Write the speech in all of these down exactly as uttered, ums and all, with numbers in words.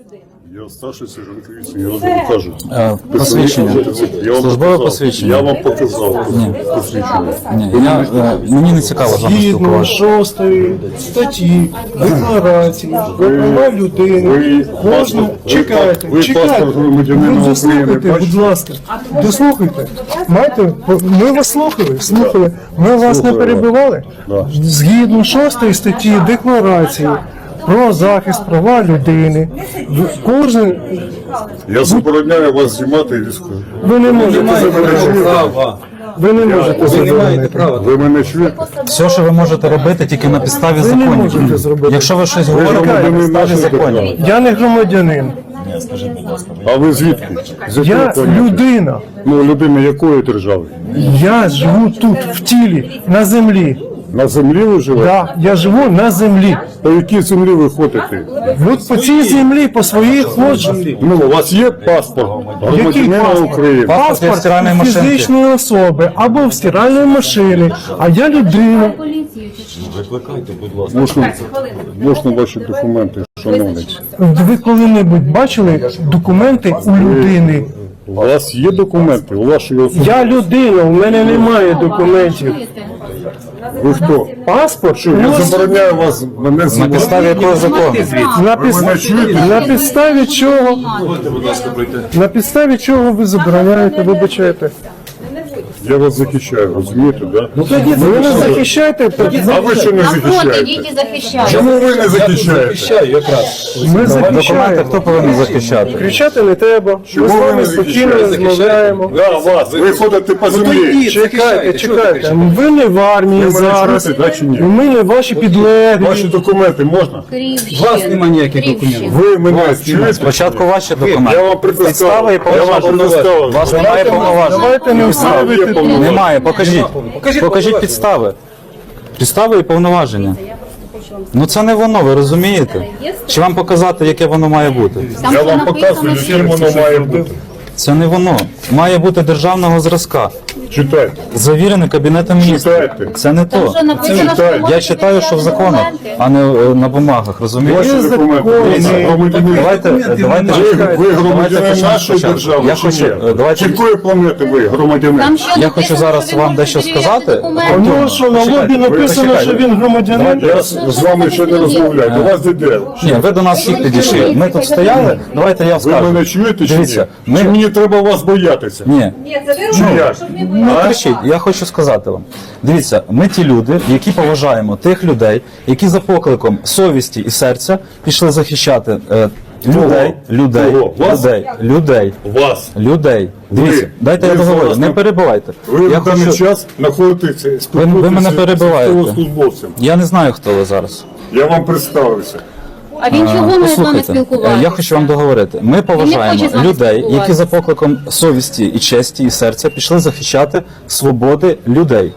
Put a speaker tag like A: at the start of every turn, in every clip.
A: Я старший сержант поліції, я вам кажу.
B: Е, Посвідчення.
A: Я вам
B: Службове
A: показав.
B: посвідчення.
A: Я вам показав посвідчення.
B: Ні, я, е, мені не цікаво з вами
C: Згідно
B: спілкуватися.
C: шостої статті декларації про права людини,
A: Ви
C: кожна
A: паспорт-
C: чекайте,
A: ви
C: чекайте,
A: паспорт громадянина
C: ви
A: України
C: дослухайте,
A: бачите?
C: будь ласка, дослухайте. Маєте, ми вас слухали, слухали, ми вас не перебивали.
A: Да.
C: Згідно шостої статті декларації про захист права людини, кожен,
A: Я забороняю вас знімати військову.
C: ви не можете
A: Ви мене чуєте?
C: ви не можете заборонити.
A: Ви мене чуєте?
B: Все, що ви можете робити, тільки на підставі
C: Ви не
B: законів.
C: можете зробити.
B: Якщо ви щось говорите, на
A: громадянин
B: підставі
A: нашої
B: законів.
A: держави.
C: Я не громадянин,
A: А ви звідки? З якої
C: я
A: планети?
C: людина.
A: Ну, людина якої держави?
C: Я живу тут, в тілі, на землі.
A: На землі ви живете?
C: Да, я живу на землі.
A: По якій землі ви ходите?
C: От по цій землі, по своїй ходжу.
A: Ну, у вас є паспорт
C: Який
A: громадянина
C: паспорт?
A: України?
B: Паспорт
C: Паспорт
B: стиральної машинки.
C: фізичної особи або в стиральної машини, а я людина.
A: Можна, можна ваші документи, шановний.
C: Ви коли-небудь бачили документи у людини?
A: У вас є документи? У вашої особи?
C: Я людина, у мене немає документів.
A: Ви хто?
C: Паспорт?
A: Що, я забороняю вас мене
B: На
A: знімати?
B: підставі якого закону?
C: На,
A: Ви мене
C: пис...
A: чуєте?
C: на підставі чого? На підставі чого ви забороняєте, вибачаєте?
A: Я вас захищаю, розумієте, да?
C: Ви мене захищаєте?
A: А ви що не
D: Напроти,
A: захищаєте?
D: діти захищають.
A: Чому ви не захищаєте?
C: Ми
B: Документи
C: захищаємо.
B: хто повинен захищати?
C: Кричати не треба. Ми з
A: Чому ви
C: вами
A: не
C: спокійно
A: захищаєте?
C: розмовляємо.
A: Да, вас, ви ходите по землі.
C: Чекайте, чекайте. Ви не в армії
A: Ви мене
C: зараз.
A: чуєте, да, чи ні?
C: Ми не ваші підлеглі.
A: Ваші документи можна?
D: Крівщин.
E: У вас немає ніяких
D: Крівщин.
E: документів.
A: Ви мене чуєте?
B: Спочатку ваші
A: Я
B: документи.
A: вам
B: Підстави
A: предоставив.
B: і
A: Я вам
B: повноваження.
A: предоставив.
B: У вас немає повноважень.
C: Давайте не
A: Є
C: вставити.
A: повноваження.
B: Немає, покажіть.
E: Покажіть
B: Покажіть підстави. Підстави і повноваження. Ну це не воно, ви розумієте? Чи вам показати, яке воно має бути?
D: Там
A: Я
D: що
A: вам
D: написано,
A: показую,
D: що-
A: яким воно має бути.
B: Це не воно. Має бути державного зразка.
A: Читайте.
B: Завірений Кабінетом міністрів.
A: Читайте.
B: Це не
D: Там
B: то.
D: що написано, що
A: читаю.
D: ви
B: Я
D: можете
B: читаю, що в
D: перевіряти
B: законах,
D: документи?
B: а не е, на бумагах, розумієте?
A: Ваші документи. Дивіться, громадянин.
B: Давайте, давайте,
A: Ви, ви
B: давайте
A: громадянин
B: почнемо
A: нашої
B: спочатку.
A: держави,
B: Я
A: чи
B: хочу,
A: ні?
B: е, давайте,
A: З якої планети ви громадянин?
D: Там що
B: Я
D: написано,
B: хочу зараз
D: що ви
B: вам
D: можете
B: дещо
D: перевіряти
B: сказати.
D: документи?
C: У нього що на лобі написано,
B: почекайте.
C: що він громадянин?
A: Я з, з вами ще не розмовляю. До вас іде.
B: Ні, ви до нас всіх підійшли. Ми тут стояли, давайте я
A: Ви
B: скажу.
A: мене чуєте чи ні?
B: Дивіться, ми-
A: Чи мені треба вас боятися?
B: Ні,
A: Чи як?
B: не кричіть, я хочу сказати вам. Дивіться, ми ті люди, які поважаємо тих людей, які за покликом совісті і серця пішли захищати е, людей, людей,
A: Кого? Вас?
B: людей, людей,
A: Вас.
B: людей. Дивіться, дайте
A: ви
B: я договорю,
A: зараз
B: не
A: на-
B: перебивайте.
A: Ви
B: Я
A: в даний
B: хочу...
A: час знаходитеся з
B: ви мене перебиваєте.
A: військовослужбовцем.
B: Я не знаю, хто ви зараз.
A: Я вам представився.
D: А він чого не з вами
B: Послухайте, е,
D: спілкуватися?
B: я хочу вам договорити. Ми поважаємо
D: хоче з вами
B: людей, які
D: спілкуватися.
B: за покликом совісті і честі і серця пішли захищати свободи людей.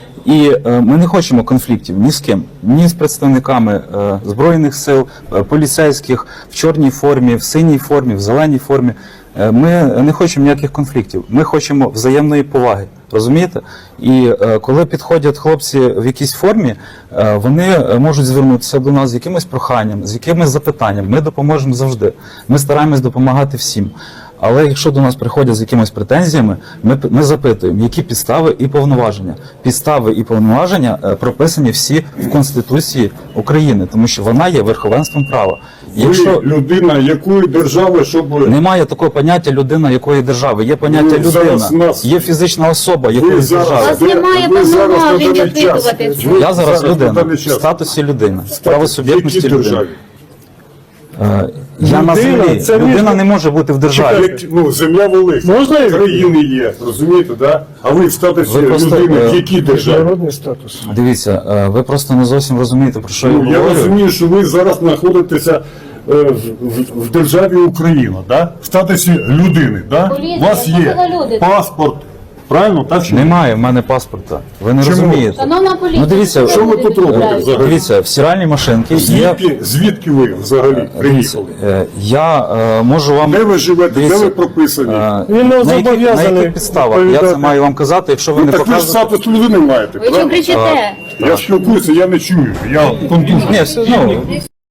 B: І е, ми не хочемо конфліктів ні з ким, ні з представниками е, збройних сил, е, поліцейських в чорній формі, в синій формі, в зеленій формі. Е, ми не хочемо ніяких конфліктів. Ми хочемо взаємної поваги. Розумієте? І е, коли підходять хлопці в якійсь формі, е, вони е, можуть звернутися до нас з якимось проханням, з якимось запитанням. Ми допоможемо завжди. Ми стараємось допомагати всім. Але якщо до нас приходять з якимись претензіями, ми, ми запитуємо, які підстави і повноваження. Підстави і повноваження е, прописані всі в Конституції України, тому що вона є верховенством права. Якщо
A: Ви людина якої держави, щоб
B: немає такого поняття людина якої держави, є поняття
A: Ви зараз
B: людина,
A: нас-
B: є фізична особа
A: ви
B: якоїсь
A: зараз,
B: держави.
D: вас немає
A: ви зараз на
D: повноважень
A: даний час-
D: запитувати.
A: ви
B: Я зараз
A: на
B: людина
A: даний
B: в
A: час-
B: статусі людини, в
A: В
B: правосуб'єктності
A: якій
B: людини.
A: державі?
B: Е, Я на
C: Людина,
B: землі.
C: це
B: Людина
C: між-
B: не може бути в державі.
A: Як, ну, земля велика,
C: Можна я-
A: країни є, розумієте, да? А ви в статусі
B: Ви просто,
A: людини
B: е,
A: в якій державі?
C: Міжнародний статус.
B: Дивіться, е, ви просто не зовсім розумієте, про що я
A: Ну, я
B: говорю.
A: розумію, що ви зараз знаходитеся е, в, в, в державі Україна, да? В статусі людини, да?
D: Поліція,
A: У вас
D: що
A: є
D: це за люди?
A: паспорт, правильно? Так чи ні?
B: Немає в мене паспорта. Ви не
A: Чому?
B: розумієте.
D: Шановна поліція,
B: Ну дивіться,
A: що ви тут робите взагалі?
B: Дивіться, в стиральній машинці є.
A: Звідки, звідки ви взагалі
B: Дивіться,
A: приїхали?
B: е, я е, можу вам.
A: Де ви живете,
B: Дивіться,
A: де ви прописані?
B: е,
C: Він не
B: на яких- на
C: зобов'язаний
B: яких підставах? Я це
C: відповідати.
B: маю вам казати, якщо ви
A: Ну,
B: не
A: так ви ж
B: показуєте.
A: статус людини маєте,
D: ви що
A: правильно?
D: кричите?
A: Я спілкуюся, я не чую, я контужений.
B: Ні, все, ну,